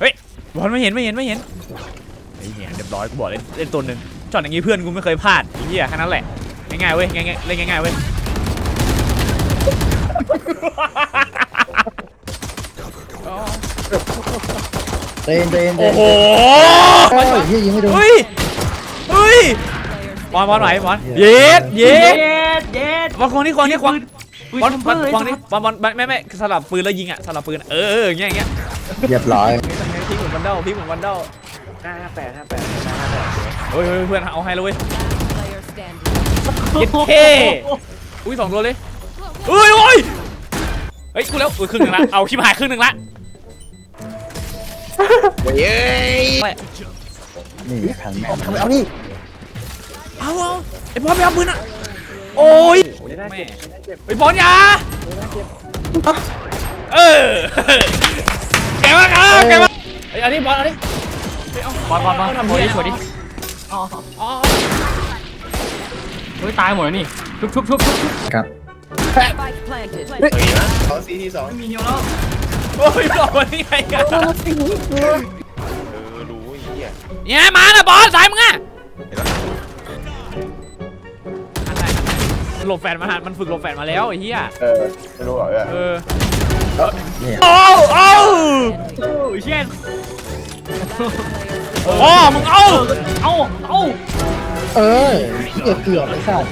เฮ้ยบอลไม่เห็นไอ้เหี้ยเรียบร้อยกูบอกเล่นตัวหนึ่งช็อตอย่างงี้เพื่อนกูไม่เคยพลาดไอ้เหี้ยแค่นั้นแหละง่ายๆเว้ยง่ายๆเล่นง่ายๆเว้ยเต้นโอ้โหยิงไม่โดนเฮ้ยบอลไหวบอลเย็ดบอลคนนี้บอลไม่สลับปืนแล้วยิงอ่ะสลับปืนอย่างเงี้ยเรียบร้อยพีเหมือนวันเดล58เฮ้ยเพื่อนเอาให้เลยเว้ยเย็ดเท่อุ้ย2 ตัวเลยเฮ้ยกูแล้วครึ่งนึงละเอาชิบหายครึ่งนึงละเย้นี่ขันแม่เอานี่เอาไอ้บอลไปเอาปืนอ่ะโอ้ยไอ้บอลยาแกมาไอ้อันนี้บอลอันนี้บอลทำสวยดิเฮ้ยตายหมดแล้วนี่ชุบครับเขาซีที2 มีเหี่ยวแล้วโอ้ยบอกว่านี่ไงกันรู้ไอ้เหี้ยเนี่ยมาน่ะบอลสายมึงอะหลบแฟนมันฝึกหลบแฟนมาแล้วไอ้เหี้ยไม่รู้หรอเช่นมึงเกือบไม่ทราบ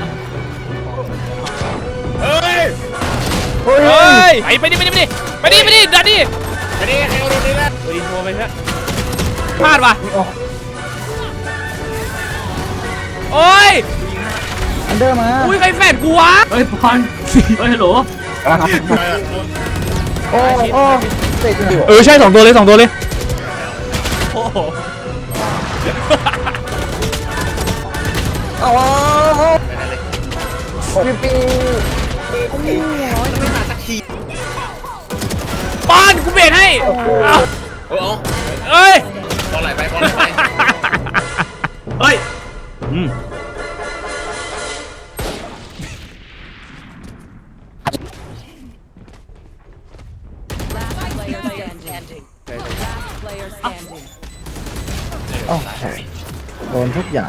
เฮ้ยไปดิดันดิใครเอาโดนนี่แหละดีโทรไปเถอะพลาดว่ะโอ้ยอันเดอร์มาอุ้ยใครแฟนกูวะเฮ้ยบอลฮัลโหลใช่2 ตัวเลยโอ้โหป้อนกูเบรกให้เอ้ยบอลไหลไปเฮ้ยโดนทุกอย่าง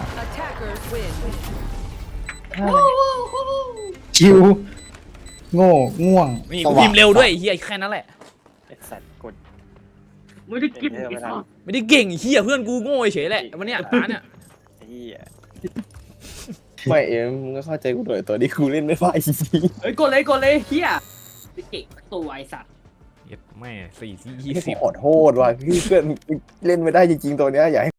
ชิวง่วงนี่กูพิมพ์เร็วด้วยเฮียแค่นั้นแหละสัตว์กดไม่ได้กินไม่ได้เก่งเฮียเพื่อนกูโง่เฉยแหละวันเนี้ยเนี่ยไม่มึงก็เข้าใจกูหน่อยตัวนี้กูเล่นไม่ได้จริงเฮ้ยกดเลยเฮียเก่งตัวไอสัตว์ไม่ขอโทษว่ะเพื่อนเล่นไม่ได้จริงๆตัวเนี้ยอยากให้